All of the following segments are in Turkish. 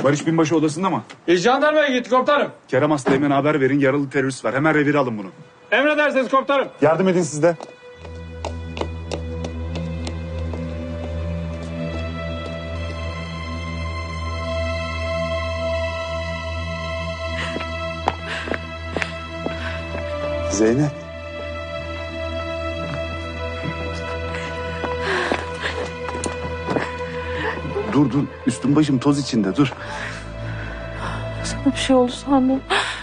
Barış Binbaşı odasında mı? Jandarmaya gitti komutanım. Kerem Aslı'ya haber verin. Yaralı terörist var. Hemen revire alın bunu. Emredersiniz komutanım. Yardım edin siz de. Zeynep. Dur. Üstüm başım toz içinde, dur. Sana bir şey oldu sandım.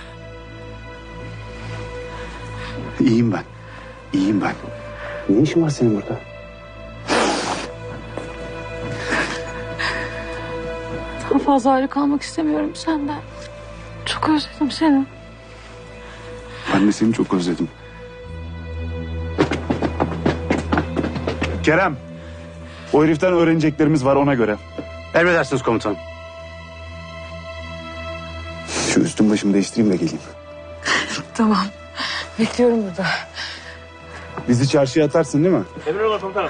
İyiyim ben. Ne işin var senin burada? Daha fazla ayrı kalmak istemiyorum senden. Çok özledim seni. Ben de seni çok özledim. Kerem. O heriften öğreneceklerimiz var, ona göre. Emredersiniz komutanım. Şu üstüm başımı değiştireyim de geleyim. Tamam. Bekliyorum burada. Bizi çarşıya atarsın değil mi? Emredersiniz komutanım.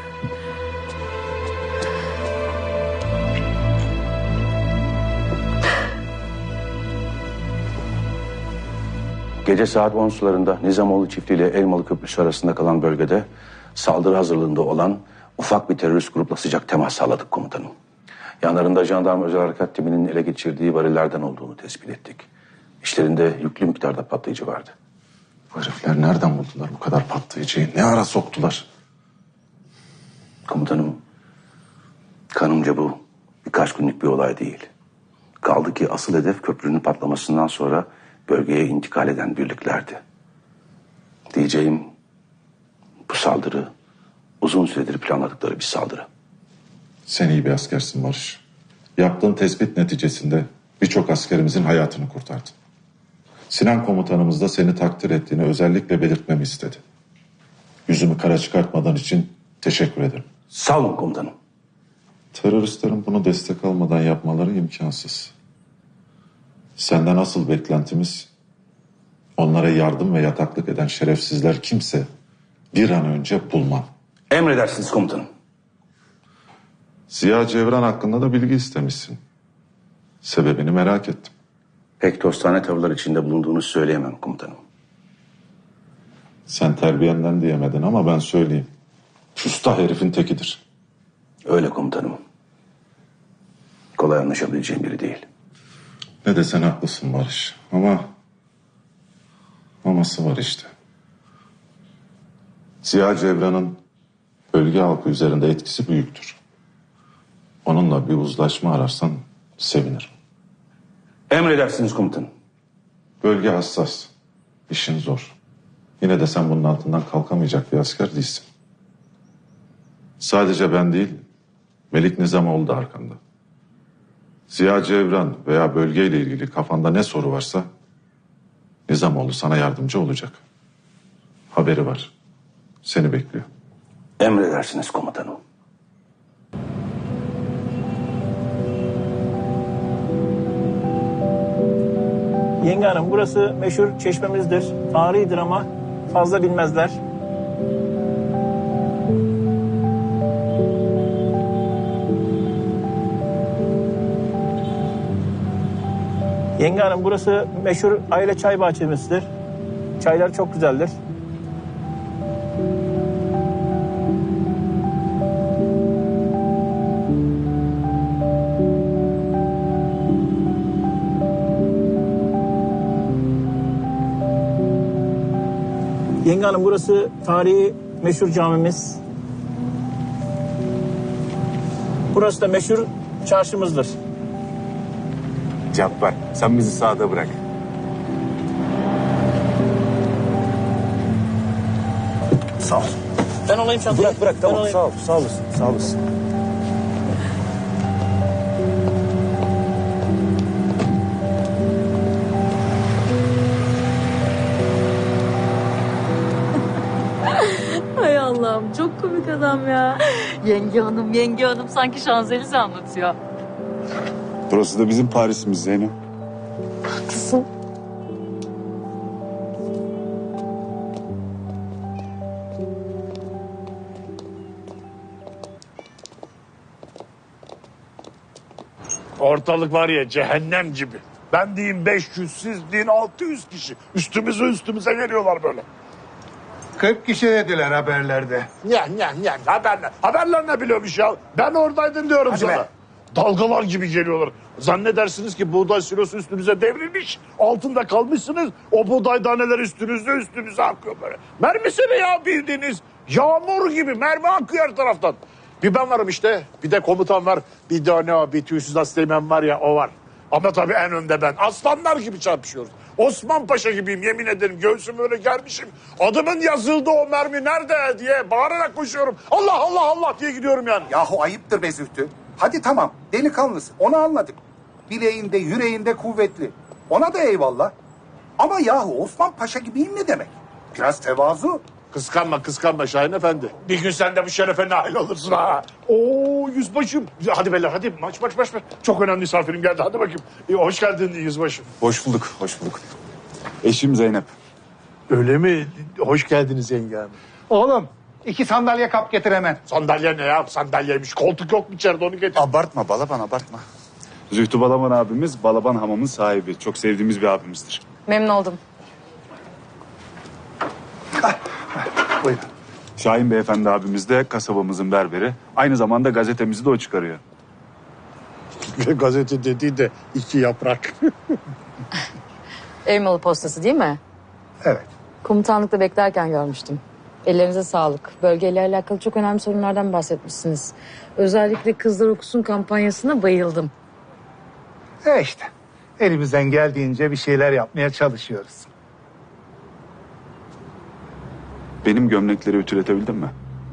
Gece saat 10 sularında Nizamoğlu çiftliği ile Elmalı Köprüsü arasında kalan bölgede saldırı hazırlığında olan ufak bir terörist grupla sıcak temas sağladık komutanım. Yanlarında jandarma özel harekat timinin ele geçirdiği varillerden olduğunu tespit ettik. İşlerinde yüklü miktarda patlayıcı vardı. Bu herifler nereden buldular bu kadar patlayıcıyı? Ne ara soktular? Komutanım, kanımca bu birkaç günlük bir olay değil. Kaldı ki asıl hedef köprünün patlamasından sonra bölgeye intikal eden birliklerdi. Diyeceğim, bu saldırı uzun süredir planladıkları bir saldırı. Sen iyi bir askersin Barış. Yaptığın tespit neticesinde birçok askerimizin hayatını kurtardın. Sinan komutanımız da seni takdir ettiğini özellikle belirtmemi istedi. Yüzümü kara çıkartmadan için teşekkür ederim. Sağ olun komutanım. Teröristlerin bunu destek almadan yapmaları imkansız. Senden asıl beklentimiz onlara yardım ve yataklık eden şerefsizler kimse bir an önce bulman. Emredersiniz komutanım. Ziya Cevran hakkında da bilgi istemişsin. Sebebini merak ettim. Pek dostane tavırlar içinde bulunduğunu söyleyemem komutanım. Sen terbiyenden diyemedin ama ben söyleyeyim. Usta herifin tekidir. Öyle komutanım. Kolay anlaşabileceğim biri değil. Ne desen haklısın Barış. Aması var işte. Ziya Cevran'ın bölge halkı üzerinde etkisi büyüktür. Onunla bir uzlaşma ararsan sevinirim. Emredersiniz komutanım. Bölge hassas. İşin zor. Yine de sen bunun altından kalkamayacak bir asker değilsin. Sadece ben değil, Melik Nizamoğlu da arkanda. Ziya Cevran veya bölgeyle ilgili kafanda ne soru varsa Nizamoğlu sana yardımcı olacak. Haberi var. Seni bekliyor. Emredersiniz komutanım. Yenge Hanım, burası meşhur çeşmemizdir. Tarihidir ama fazla bilmezler. Yenge Hanım, burası meşhur aile çay bahçemizdir. Çaylar çok güzeldir. Yenge Hanım, burası tarihi meşhur camimiz. Burası da meşhur çarşımızdır. Cabbar, sen bizi sağda bırak. Sağ ol. Ben olayım çantayı. Bırak tamam Ben olayım. sağ olasın. Hay Allah'ım, çok komik adam ya. Yenge hanım sanki Şanzelize anlatıyor. Burası da bizim Paris'imiz Zeynep. Haklısın. Ortalık var ya cehennem gibi. Ben diyeyim 500, siz deyin 600 kişi. Üstümüze geliyorlar böyle. 40 kişi dediler haberlerde. Haberler ne biliyormuş ya? Ben oradaydım diyorum Hadi sana. be. Dalgalar gibi geliyorlar. Zannedersiniz ki buğday silosu üstünüze devrilmiş. Altında kalmışsınız. O buğday taneleri üstünüze akıyor böyle. Mermisini ya bildiğiniz. Yağmur gibi mermi akıyor her taraftan. Bir ben varım işte. Bir de komutan var. Bir de ne o bir tüysüz asteğmen var ya o var. Ama tabii en önde ben. Aslanlar gibi çarpışıyoruz. Osman Paşa gibiyim yemin ederim. Göğsümü öyle germişim. Adımın yazıldığı o mermi nerede diye bağırarak koşuyorum. Allah Allah Allah diye gidiyorum yani. Yahu ayıptır be Zühtü. Hadi tamam delikanlısın onu anladık. Bileğinde yüreğinde kuvvetli. Ona da eyvallah. Ama yahu Osman Paşa gibiyim ne demek? Biraz tevazu. Kıskanma Şahin Efendi. Bir gün sen de bu şerefe nail olursun ha. Oo yüzbaşım. Hadi beyler hadi maç. Çok önemli misafirim geldi hadi bakayım. Hoş geldin yüzbaşım. Hoş bulduk. Eşim Zeynep. Öyle mi? Hoş geldiniz yenge hanım. Oğlum 2 sandalye kap getir hemen. Sandalye ne ya? Sandalyeymiş. Koltuk yok mu içeride onu getir. Abartma Balaban abartma. Zühtü Balaban abimiz Balaban Hamam'ın sahibi. Çok sevdiğimiz bir abimizdir. Memnun oldum. Buyurun. Şahin Beyefendi abimiz de kasabamızın berberi. Aynı zamanda gazetemizi de o çıkarıyor. Gazete dediği de 2 yaprak. Elmalı postası değil mi? Evet. Komutanlıkta beklerken görmüştüm. Ellerinize sağlık. Bölgeyle alakalı çok önemli sorunlardan bahsetmişsiniz. Özellikle Kızlar Okusun kampanyasına bayıldım. İşte elimizden geldiğince bir şeyler yapmaya çalışıyoruz. Benim gömlekleri ütületebildin mi?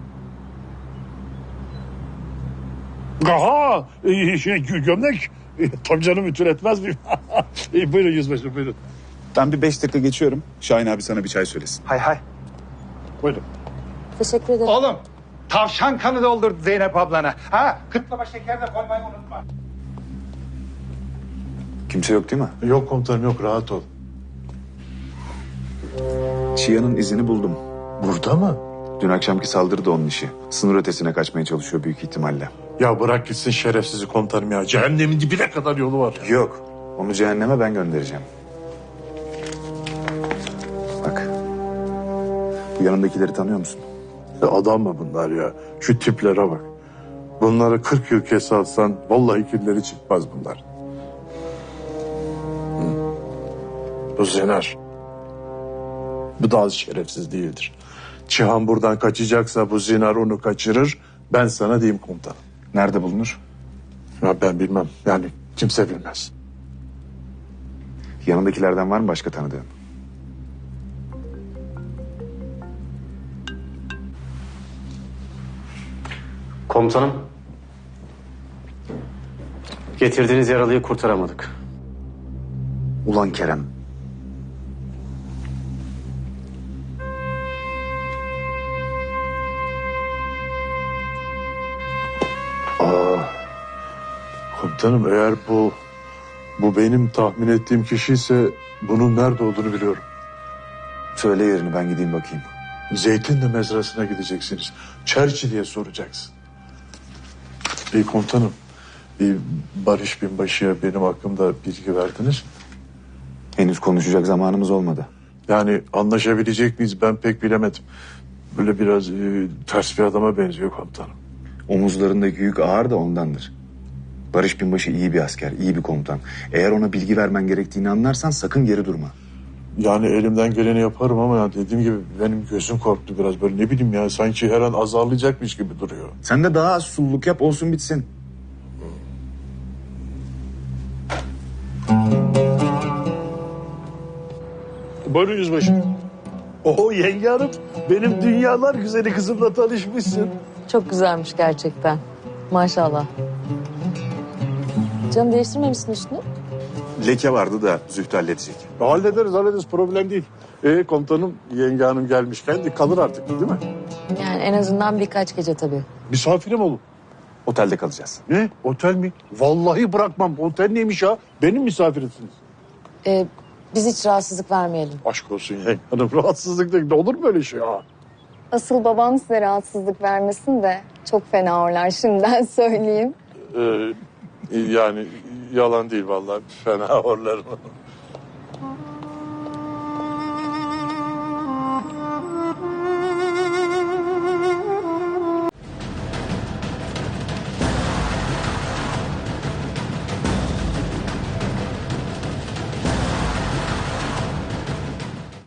Aha gömlek. Tabii canım ütül etmez miyim? Buyurun yüzbaşım buyurun. Ben bir 5 dakika geçiyorum. Şahin abi sana bir çay söylesin. Hay. Buyurun. Teşekkür ederim. Oğlum tavşan kanı doldur Zeynep ablana. Ha kıtlama şeker de koymayı unutma. Kimse yok değil mi? Yok komutanım yok rahat ol. Çiyan'ın izini buldum. Burada mı? Dün akşamki saldırı da onun işi. Sınır ötesine kaçmaya çalışıyor büyük ihtimalle. Ya bırak gitsin şerefsizi komutanım ya. Cehennemin dibine kadar yolu var. Yok. Onu cehenneme ben göndereceğim. Bak. Bu yanındakileri tanıyor musun? Adam mı bunlar ya? Şu tiplere bak. Bunları 40 yıl kese atsan vallahi kirleri çıkmaz bunlar. Bu Zener. Bu da az şerefsiz değildir. Cihan buradan kaçacaksa bu Zener onu kaçırır. Ben sana diyeyim komutanım. Nerede bulunur? Ya ben bilmem. Yani kimse bilmez. Yanındakilerden var mı başka tanıdığın? Komutanım. Getirdiğiniz yaralıyı kurtaramadık. Ulan Kerem. Komutanım eğer bu benim tahmin ettiğim kişi ise bunun nerede olduğunu biliyorum. Söyle yerini ben gideyim bakayım. Zeytinli mezrasına gideceksiniz. Çerçi diye soracaksın. Komutanım, Barış Binbaşı'ya benim hakkımda bilgi verdiniz. Henüz konuşacak zamanımız olmadı. Yani anlaşabilecek miyiz ben pek bilemedim. Böyle biraz ters bir adama benziyor komutanım. Omuzlarındaki yük ağır da ondandır. Barış Binbaşı iyi bir asker, iyi bir komutan. Eğer ona bilgi vermen gerektiğini anlarsan sakın geri durma. Yani elimden geleni yaparım ama ya dediğim gibi benim gözüm korktu biraz böyle ne bileyim ya sanki her an azarlayacakmış gibi duruyor. Sen de daha az sulluk yap olsun bitsin. Buyurun yüzbaşı. Oo yenge hanım benim dünyalar güzeli kızımla tanışmışsın. Çok güzelmiş gerçekten. Maşallah. Canım değiştirmemişsin üstünü. Leke vardı da Zühtü halledecek. Hallederiz problem değil. Komutanım yenge hanım gelmişken de kalır artık değil mi? Yani en azından birkaç gece tabii. Misafirim olun. Otelde kalacağız. Ne? Otel mi? Vallahi bırakmam. Otel neymiş ya? Benim misafirimsiniz. Biz hiç rahatsızlık vermeyelim. Aşk olsun yenge hanım. Rahatsızlık değil. Olur mu öyle şey ya? Asıl babam size rahatsızlık vermesin de çok fena horlar şimdiden söyleyeyim. Yani yalan değil vallahi. Fena horlarım.